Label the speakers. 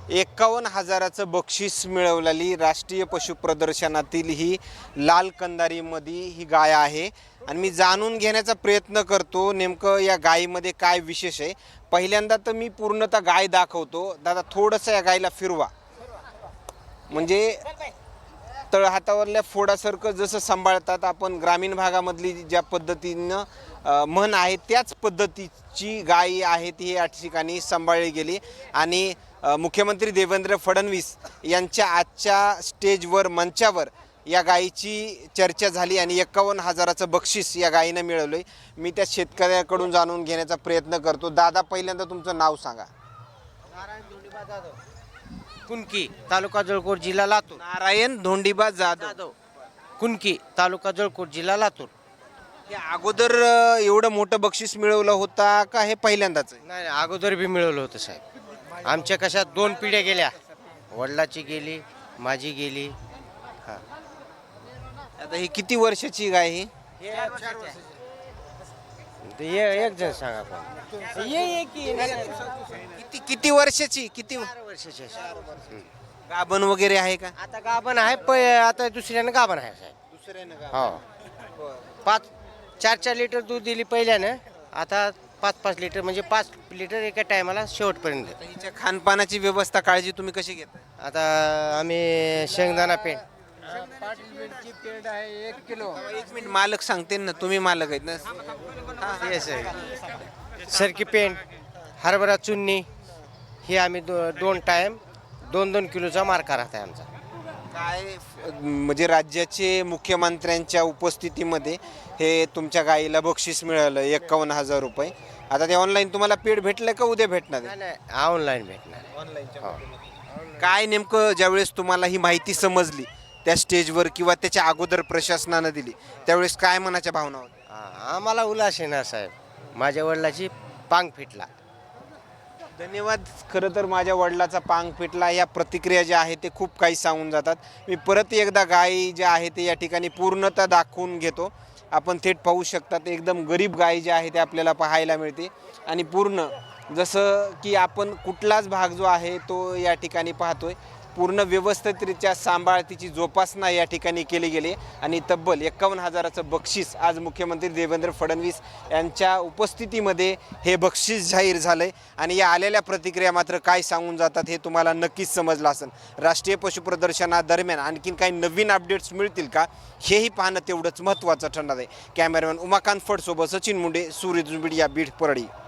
Speaker 1: 51,000चं बक्षीस मिळवलेली राष्ट्रीय पशु प्रदर्शनातील ही लाल कंदारीमध्ये ही गाय आहे आणि मी जाणून घेण्याचा प्रयत्न करतो नेमकं या गायीमध्ये काय विशेष आहे। पहिल्यांदा तर मी पूर्णतः गाय दाखवतो। दादा थोडंसं या गायीला फिरवा, म्हणजे तळहातावरल्या फोडासारखं जसं सांभाळतात आपण ग्रामीण भागामधली ज्या पद्धतीनं म्हण आहे त्याच पद्धतीची गाय आहे ती या ठिकाणी सांभाळली गेली। आणि मुख्यमंत्री देवेंद्र फडणवीस यांच्या आजच्या स्टेजवर मंचावर या गायीची चर्चा झाली आणि 51,000चं बक्षीस या गायीनं मिळवलं। मी त्या शेतकऱ्याकडून जाणून घेण्याचा प्रयत्न करतो। दादा पहिल्यांदा तुमचं नाव सांगा।
Speaker 2: नारायण धोंडीबा जाधव, कुणकी, तालुका जळकोट, जिल्हा लातूर।
Speaker 1: नारायण धोंडीबा जाधव,
Speaker 2: कुणकी, तालुका जळकोट, जिल्हा लातूर।
Speaker 1: या अगोदर एवढं मोठं बक्षीस मिळवलं होता का हे पहिल्यांदाच आहे?
Speaker 2: नाही अगोदर बी मिळवलं होतं साहेब। आमच्या कशा 2 पिढ्या गेल्या, वडिलाची गेली, माझी गेली। हां,
Speaker 1: आता ही किती वर्षाची गाय ही?
Speaker 2: एक जण सांगा पण ये की
Speaker 1: किती किती वर्षाची? किती
Speaker 2: 4 वर्षाची आहे।
Speaker 1: गाभण वगैरे आहे का?
Speaker 2: आता गाभण आहे, आता दुसऱ्यानं गाभण आहे साहेब।
Speaker 1: दुसऱ्यानं
Speaker 2: हो, 4-4 लिटर दूध दिली पहिल्यानं, आता 5-5 लिटर, म्हणजे 5 लिटर एका टायमाला शेवटपर्यंत देतो।
Speaker 1: हिच्या खानपानाची व्यवस्था काळजी तुम्ही कशी घेता?
Speaker 2: आता आम्ही शेंगदाणा पेंड,
Speaker 3: पेंड आहे 1 किलो।
Speaker 1: एक मिनिट, मालक सांगते ना, तुम्ही मालक आहेत ना?
Speaker 2: सरकी पेंड, हरभरा चुन्नी, हे आम्ही 2 टाइम 2-2 किलोचा मार्का राहत आहे आमचा।
Speaker 1: काय म्हणजे राज्याचे मुख्यमंत्र्यांच्या उपस्थितीमध्ये हे तुमच्या गायीला बक्षीस मिळालं 51,000 रुपये। आता ते ऑनलाईन तुम्हाला पेड भेटलं का उद्या भेटणार आहे?
Speaker 2: नाही, ऑनलाईन भेटणार।
Speaker 1: ऑनलाईनच्या काय नेमकं ज्यावेळेस तुम्हाला ही माहिती समजली त्या स्टेजवर किंवा त्याच्या अगोदर प्रशासनानं दिली त्यावेळेस काय मनाच्या भावना होत्या?
Speaker 2: आम्हाला उल्हास आहे ना साहेब, माझ्या वडिलाची पांग फिटला।
Speaker 1: धन्यवाद। खरं तर माझ्या वडिलाचा पांग फिटला या प्रतिक्रिया ज्या आहेत ते खूप काही सांगून जातात। मी परत एकदा गाय ज्या आहे ते या ठिकाणी पूर्णतः दाखवून घेतो। आपण थेट पाहू शकतात एकदम गरीब गाय जी आहे ते आपल्याला पाहायला मिळते आणि पूर्ण जसं की आपण कुठलाच भाग जो आहे तो या ठिकाणी पाहतोय पूर्ण व्यवस्थितरित्या सांभाळ तिची जोपासना या ठिकाणी केली गेली आणि तब्बल 51,000चं बक्षीस आज मुख्यमंत्री देवेंद्र फडणवीस यांच्या उपस्थितीमध्ये हे बक्षीस जाहीर झालंय। आणि या आलेल्या प्रतिक्रिया मात्र काय सांगून जातात हे तुम्हाला नक्कीच समजलं असेल। राष्ट्रीय पशु प्रदर्शनादरम्यान आणखीन काही नवीन अपडेट्स मिळतील का हेही पाहणं तेवढंच महत्त्वाचं ठरणार आहे। कॅमेरामॅन उमाकांत फडसोबत सचिन मुंडे, सूर्य मीडिया, बीड, परळी।